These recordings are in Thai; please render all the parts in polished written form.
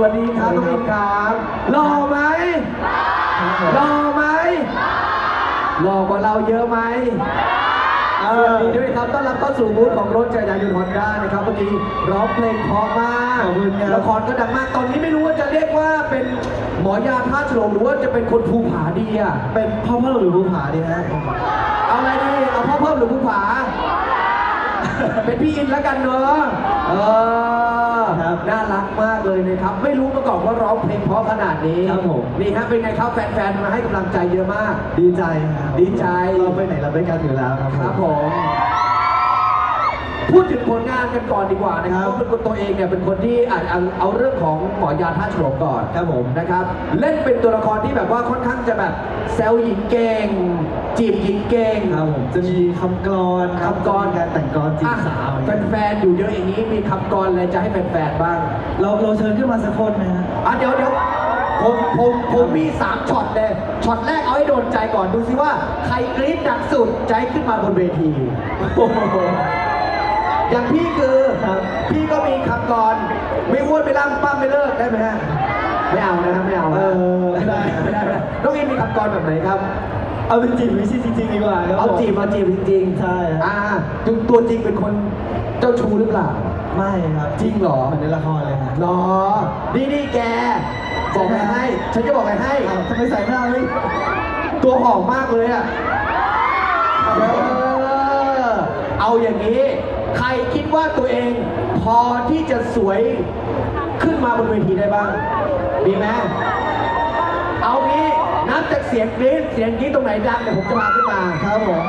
วัสดีครับน้องอินครับหล่อไหมหล่อไหมหล่อกว่าเราเยอะไหมสวัสดีด้วยครับต้อนรับเข้าสู่บูธของรถจักรยานยนต์ฮอนด้านะครับเมื่อกี้ร้องเพลงเพราะมากละครก็ดังมากตอนนี้ไม่รู้ว่าจะเรียกว่าเป็นหมอยาท่าฉลองหรือว่าจะเป็นคนภูผาดีอ่ะเป็นพ่อเพิ่มหรือภูผาดีฮะเอาอะไรดีเอาพ่อเพิ่มหรือภูผาเป็นพี่อินแล้วกันเนอะน่ารักมากเลยนะครับไม่รู้มาก่อนว่าร้องเพลงเพราะขนาดนี้ครับผมนี่ฮะเป็นไงครับแฟนๆมาให้กำลังใจเยอะมากดีใจครับดีใจเราไปไหนเราด้วยกันอยู่แล้วครับผมพูดถึงผลงานกันก่อนดีกว่านะครับเป็นคนตัวเองเนี่ยเป็นคนที่เอาเรื่องของหมอยาท่าฉลองก่อนครับผมนะครับเล่นเป็นตัวละครที่แบบว่าค่อนข้างจะแบบแซวหญิงเก่งจีบหญิงเก่งครับผมจะมีคำกลอนการแต่งกลอนจีบสาวแฟนๆอยู่เยอะอย่างนี้มีคำกลอนอะไรจะให้แฟนๆบ้างเราเชิญขึ้นมาสักคนนะฮะเดี๋ยวผมมี3ช็อตเลยช็อตแรกเอาให้โดนใจก่อนดูซิว่าใครกรี๊ดดังสุดใจขึ้นมาบนเวทีอย่างพี่คือพี่ก็มีคำกรไม่อ้วนไม่ล่ำปั้มไม่เลิกได้ไหมฮะไม่เอานะครับไม่เอาไม่ได้น้องอินมีคำกรแบบไหนครับเอาเป็นจีบวิชิจริงๆดีกว่าเอาจีบจริงๆใช่ตัวจริงเป็นคนเจ้าชู้หรือเปล่าไม่ครับจริงเหรอเหมือนในละครเลยครับหรอนี่แกบอกอะไรให้ฉันจะบอกอะไรให้ทำไมใส่หน้าไม่ตัวหอมมากเลยอ่ะเอาอย่างนี้ใครคิดว่าตัวเองพอที่จะสวยขึ้นมาบนเวทีได้บ้างดีไหมเอางี้นับจากเสียงกรี๊ดตรงไหนดังเดี๋ยวผมจะมาขึ้นมาครับผม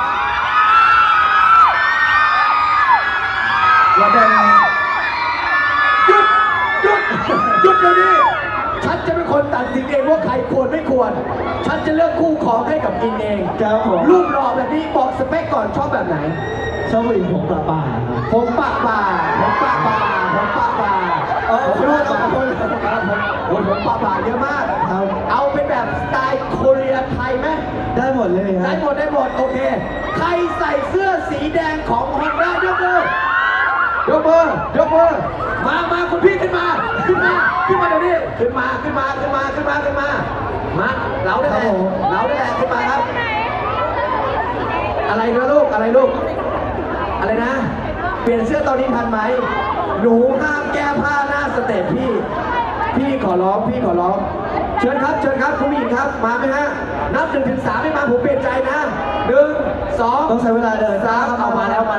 อย่าเดินหยุดเดี๋ยวนี้ฉันจะเป็นคนตัดสินเองว่าใครควรไม่ควรฉันจะเลือกคู่ของให้กับอินเองรูปหล่อแบบนี้บอกสเปคก่อนชอบแบบไหนชอบผู้หญิงผมปะป่าผมปะป่าผมปะป่าผมปะป่าผมปะป่าเยอะมากเอาเป็นแบบสไตล์โคเรียไทยไหมได้หมดเลยครับได้หมดโอเคใครใส่เสื้อสีแดงของฮอนด้ายกมือมาคุณพี่ขึ้นมาเดี๋ยวนี้ขึ้นมามาเราได้แหละขึ้นมาครับอะไรนะลูกอะไรนะเปลี่ยนเสื้อตอนนี้ทันไหมหนูห้ามแก้ผ้าหน้าสเตจพี่ขอร้องเชิญครับคุณผู้หญิงครับมาไหมฮะนับ1 ถึง 3ไม่มาผมเปลี่ยนใจนะ1 2 ต้องใช้เวลาเดิน 3เอามาแล้ว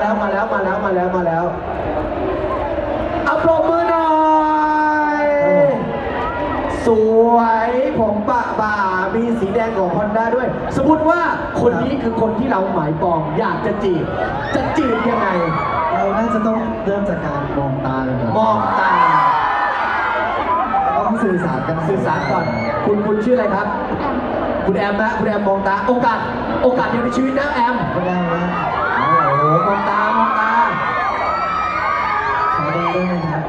เอาปรบมือหน่อยสวยผมปะบ่ามีสีแดงของฮอนด้าด้วยสมมติว่าคนนี้คือคนที่เราหมายปองอยากจะจีบยังไงเราน่าจะต้องเริ่มจากการมองตาเลยมองตาต้องสื่อสารก่อนคุณชื่ออะไรครับคุณแอมนะคุณแอมมองตาโอกาสเดียวในชีวิตนะแอมไม่ได้นะโอ้โหมองตาขอได้ไหมครับ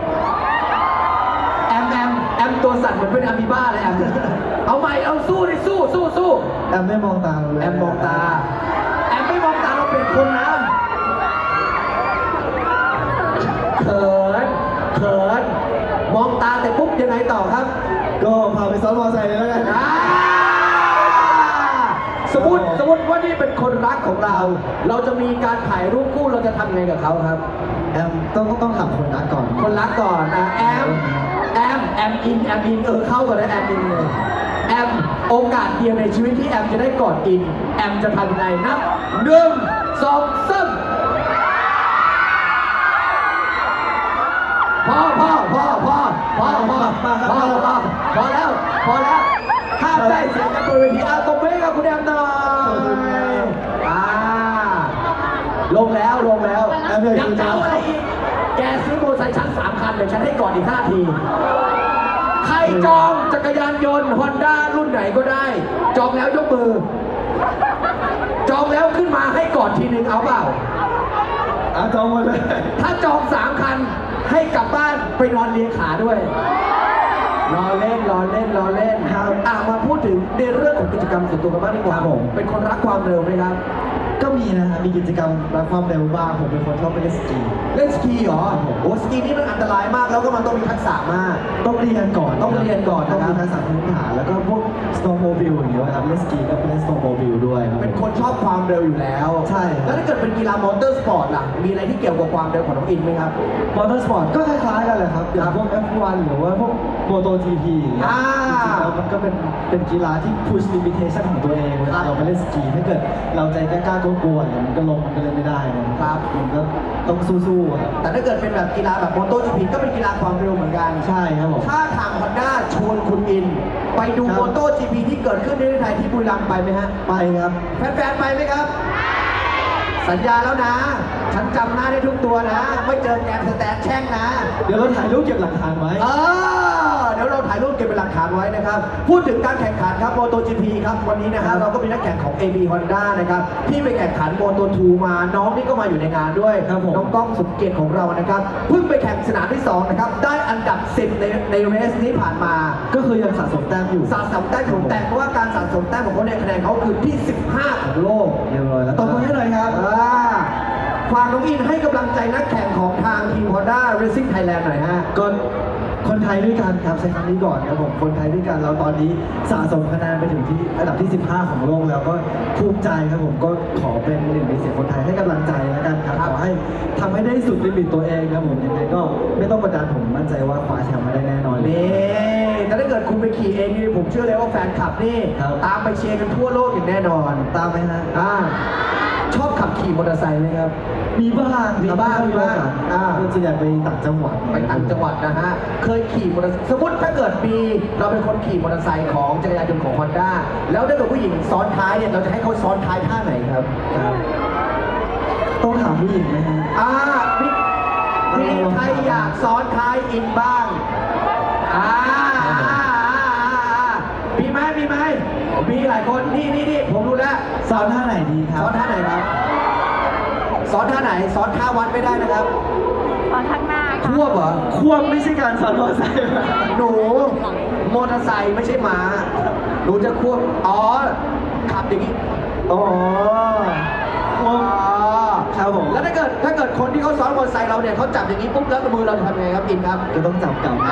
แอมตัวสั่นเหมือนเป็นอะมีบ้าเลยแอมเอาใหม่เอาสู้แอมไม่มองตาเลยแอมมองตาเราเป็นคนนะเขินมองตาแต่ปุ๊บยังไงต่อครับก็พาไปซ้อนมอเตอร์ไซค์เลยแล้วกันสมมติว่านี่เป็นคนรักของเราจะมีการถ่ายรูปคู่เราจะทำไงกับเขาครับแอมต้องถามคนรักก่อนแอมอินเข้ากันเลยแอมอินเลยแอมโอกาสเดียวในชีวิตที่แอมจะได้กอดอินแอมจะทำยังไงนับ1 2 3พอแล้วห้ามได้เสียงกันบนเวทีตบมือกับคุณแอมหน่อยลงแล้วยังเจ้าอะไรอีกแกซื้อมอเตอร์ไซค์ชั้น3 คันเดี๋ยวฉันให้ก่อนอีก5 ทีใครจองจักรยานยนต์ฮอนด้ารุ่นไหนก็ได้จองแล้วยกมือจองแล้วขึ้นมาให้ก่อนทีนึงเอาเปล่าจองหมดเลยถ้าจอง3 คันให้กลับบ้านไปนอนเลียขาด้วยรอเล่นครับมาพูดถึงในเรื่องของกิจกรรมส่วนตัวกันบ้างดีกว่าเป็นคนรักความเร็วไหมครับก็มีนะฮะมีกิจกรรมรักความเร็วบ้างผมเป็นคนชอบไปเล่นสกีเล่นสกีเหรอโอ้สกีนี่มันอันตรายมากแล้วก็มันต้องมีทักษะมากต้องเรียนก่อนต้องเรียนก่อนต้องนะครับมีทักษะพื้นฐานแล้วก็พวก snowmobile อย่างเงี้ยครับเล่นสกีก็เป็นเล่น snowmobile ด้วยครับเป็นคนชอบความเร็วอยู่แล้วใช่ครับแล้วถ้าเกิดเป็นกีฬามอเตอร์สปอร์ตล่ะ มีอะไรที่เกี่ยวกับความเร็วของน้องอินไหมครับมอเตอร์สปอร์ตก็คล้ายๆกันแหละครับอย่างพวก F1 หรือว่าพวก MotoGP อย่างเงี้ยอ่าจริงๆแล้วมันก็เป็นกีฬาที่ push limitation ของตัวเองเวลาเราไปเล่นสกีถ้าเกิดเราใจกล้าๆกลัวๆเนี่ยมันก็ลงมันก็เล่นไม่ได้นะครับ มันก็ต้องสู้ๆครับแต่ถ้าเกิดเป็นแบบกีฬาแบบมอเตอร์จีพีก็เป็นกีฬาความเร็วเหมือนกันใช่ครับผมถ้าทางฮอนด้าชวนคุณอิน ไปดูครับมอเตอร์จีพีที่เกิดขึ้นในประเทศไทยที่บุรีรัมย์ไปไหมฮะไปครับแฟนๆไปไหมครับ สัญญาแล้วนะ ฉันจำหน้าได้ทุกตัวนะ ไม่เจอแกนสแตนแช่งนะเดี๋ยวเราถ่ายรูปเก็บหลักฐานไว้เดี๋ยวเราถ่ายรูปเก็บเป็นหลักฐานไว้นะครับ พูดถึงการแข่งขันครับ MotoGP ครับวันนี้นะฮะเราก็มีนักแข่งของ AB Honda นะครับที่ไปแข่งขัน Moto2 มา น้องนี่ก็มาอยู่ในงานด้วยครับผมน้องก้องสุเกียรติของเรานะครับ เพิ่งไปแข่งสนามที่ 2 นะครับ ได้อันดับ 10 ในเรสนี้ผ่านมาก็คือยังสะสมแต้มอยู่สะสมแต้มของแต่เพราะว่าการสะสมแต้มของเขาในยคะแนนเขาคือที่ 15 ของโลกเรียบร้อยแล้วตบมือให้หน่อยครับฝากน้องอินให้กำลังใจนักแข่งของทางทีม Honda Racing Thailand หน่อยฮะก็คนไทยด้วยกันครับใช้คำนี้ก่อนครับผมคนไทยด้วยกันเราตอนนี้สะสมคะแนนไปถึงที่อันดับที่ 15 ของโลกแล้วก็ภูมิใจครับผมก็ขอเป็นหนึ่งในเสียงคนไทยให้กำลังใจแล้วกันครับขอให้ทำให้ได้สุดลิมิตตัวเองครับผมยังไงก็ไม่ต้องกดดันผมมั่นใจว่าคว้าแชมป์มาได้แน่นอนเลยนี่แต่ถ้าเกิดคุณไปขี่เองนี่ผมเชื่อเลยว่าแฟนคลับนี่ครับตามไปเชียร์กันทั่วโลกอย่างแน่นอนตามไหมฮะชอบขับขี่มอเตอร์ไซค์ไหมครับมีบ้างมีบ้างมีบ้างอ่าส่วนใหญ่ไปต่างจังหวัดไปต่างจังหวัดนะฮะ เคยขี่มอเตอร์ไซค์สมมติถ้าเกิดมีเราเป็นคนขี่มอเตอร์ไซค์ของจักรยานยนต์ของฮอนด้าแล้วถ้าเกิดผู้หญิงซ้อนท้ายเนี่ยเราจะให้เขาซ้อนท้ายท่าไหนครับครับต้องถามผู้หญิงไหมฮะมีใครอยากซ้อนท้ายอินบ้างมีไหมมีหลายคนนี่ผมรู้แล้วสอนท่าไหนดีครับซ้อนท่าไหนครับซ้อนท่าไหนซ้อนท่าวัดไม่ได้นะครับตอนข้างหน้าค่ะควบเหรอควบไม่ใช่การสอนมอเตอร์ไซค์หนูมอเตอร์ไซค์ไม่ใช่ม้าหนูจะควบขับอย่างนี้อ๋อควบครับผมแล้วถ้าเกิดคนที่เขาซ้อนมอเตอร์ไซค์เราเนี่ยเขาจับอย่างนี้ปุ๊บแล้วมือเราจะทำไงครับอินครับก็ต้องจับกลับ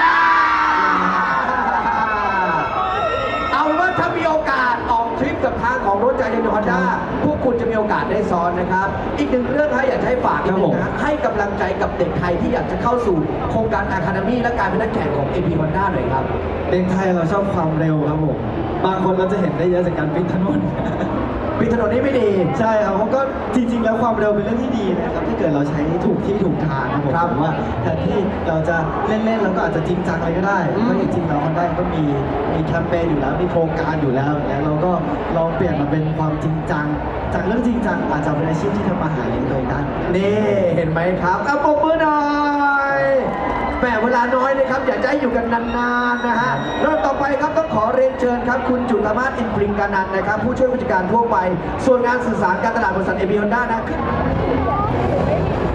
เอาเป็นว่าถ้ามีโอกาสออกทริปกับทางของรถจักรยานยนต์ฮอนด้าพวกคุณจะมีโอกาสได้ซ้อนนะครับ อีกหนึ่งเรื่องนะอยากจะให้ฝากนิดนึงนะให้กำลังใจกับเด็กไทยที่อยากจะเข้าสู่โครงการอะคาเดมี่และการเป็นนักแข่งของ AP Honda หน่อยครับเด็กไทยเราชอบความเร็วครับผม บางคนเราจะเห็นได้เยอะจากการปิดถนนปิดถนนนี่ไม่ดีใช่ครับเขาก็จริงๆ แล้วความเร็วเป็นเรื่องที่ดีนะครับถ้าเกิดเราใช้ถูกที่ถูกทางครับผมครับผมว่าแทนที่เราจะเล่นๆเราก็อาจจะจริงจังอะไรก็ได้เพราะจริงๆแล้วมันได้ก็มีแคมเปญอยู่แล้วมีโครงการอยู่แล้วอย่างเงี้ยเราก็ลองเปลี่ยนมาเป็นความจริงจังจากเรื่องจริงจังอาจจะเป็นอาชีพที่ทำมาหาเลี้ยงตัวเองได้นี่เห็นไหมครับเอาปรบมือหน่อยแหมเวลาน้อยนะครับ อยากจะให้อยู่กันนานๆนะฮะเริ่มต่อไปครับต้องขอเรียนเชิญครับ คุณจุลมาศอินปริงกานันท์นะครับ ผู้ช่วยผู้จัดการทั่วไป ส่วนงานสื่อสารการตลาดบริษัทเอบีฮอนด้านะครับ